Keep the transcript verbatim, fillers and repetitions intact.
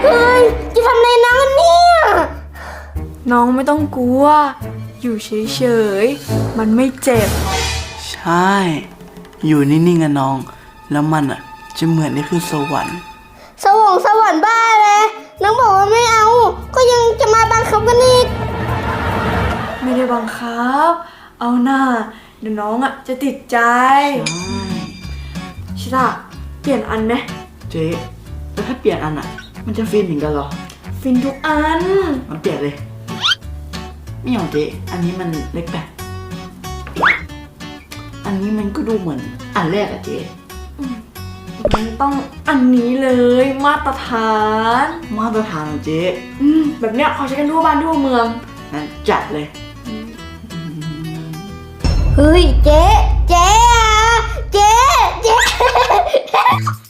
เฮ้ยจะทำอะไรน้องเนี่ยน้องไม่ต้องกลัวอยู่เฉยๆมันไม่เจ็บใช่อยู่นิ่งๆกันน้องแล้วมันอ่ะจะเหมือนได้ขึ้นสวรรค์สวงสวรรค์บ้าเลยน้องบอกว่าไม่เอาก็ยังจะมาบังคับกันอีกไม่ได้บังคับเอาหน้าเดี๋ยวน้องอ่ะจะติดใจชิตาเปลี่ยนอันไหมเจ๊แล้วถ้าเปลี่ยนอันอ่ะมันจะฟินถึงกันหรอฟินทุกอันมันเปลี่ยนเลยไม่เอาเจ๊อันนี้มันเล็กแบบอันนี้มันก็ดูเหมือนอันแรกอะเจ๊มันต้องอันนี้เลยมาตรฐานมาตรฐานเจ๊อืมแบบเนี้ยเขาใช้กันทั่วบ้านทั่วเมืองงั้นจัดเลยเฮ้ยเจ๊เจ๊อะเจ๊เจ๊